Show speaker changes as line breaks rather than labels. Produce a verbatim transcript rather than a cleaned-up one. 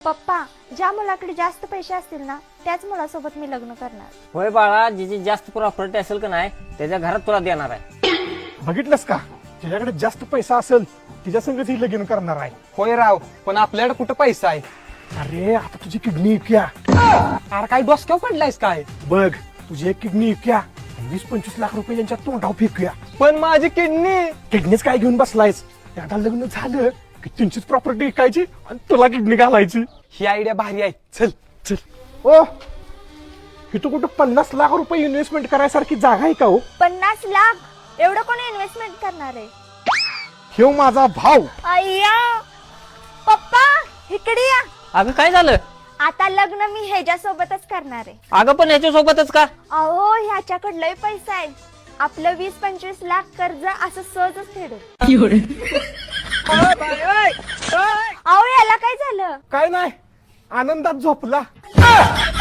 पप्पा, ज्या मुलाकडे जास्त पैसे असतील ना त्याच मुलासोबत मी लग्न करणार.
होय बाळा, जिची जास्त प्रॉपर्टी असेल का नाही त्याच्या घरात तुला देणार आहे.
बघितलंस का, ज्याच्याकडे जास्त पैसा असेल तिच्या संगत ही लगीन करणार आहे.
होय राव, पण आपल्याकडे कुठं पैसा आहे?
अरे आता तुझी किडनी विकूया.
अरे काय डोसक्यावर पडलायस काय?
बघ, तुझी एक किडनी विकूया आणि वीस पंचवीस लाख रुपये यांच्या तोंडावर फेकूया.
पण माझी किडनी.
किडनीच काय घेऊन बसलायस? एकदा लग्न झालं की तुमचीच प्रॉपर्टी विकायची आणि तुला किडनी घालायची.
ही आयडिया भारी आहे. चल
चल. ओ, इथं कुठं पन्नास लाख रुपये इन्व्हेस्टमेंट करायसारखी जागा आहे का हो?
पन्नास लाख एवढं कोणी इन्व्हेस्टमेंट करणार आहे?
हे माझा भाऊ.
अय्या पप्पा, इकडे या.
अगं काय झालं?
आता लग्न मी ह्याच्या सोबतच करणार आहे.
अगं पण ह्याच्या सोबतच का?
अहो, ह्याच्याकडे लय पैसा आहे. आपलं वीस पंचवीस लाख कर्ज असं सहजच फेडेल. अहो, याला काय झालं?
काय नाही, आनंदात झोपला.